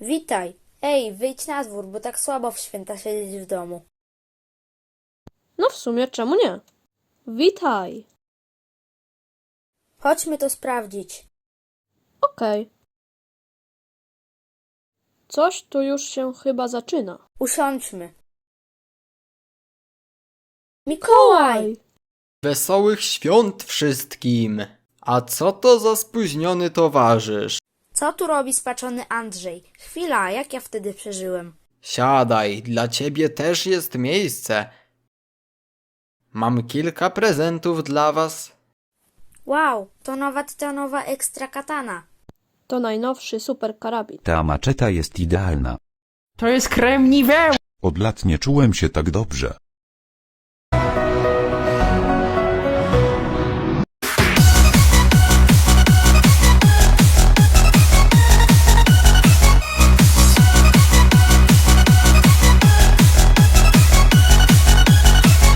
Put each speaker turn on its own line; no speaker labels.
Witaj. Ej, wyjdź na dwór, bo tak słabo w święta siedzieć w domu.
No w sumie czemu nie? Witaj.
Chodźmy to sprawdzić.
Okej. Coś tu już się chyba zaczyna.
Usiądźmy. Mikołaj!
Wesołych świąt wszystkim! A co to za spóźniony towarzysz?
Co tu robi spaczony Andrzej? Chwila, jak ja wtedy przeżyłem?
Siadaj, dla ciebie też jest miejsce. Mam kilka prezentów dla was.
Wow, to nowa tytanowa ekstra katana.
To najnowszy super karabin.
Ta maczeta jest idealna.
To jest krem Nivea.
Od lat nie czułem się tak dobrze.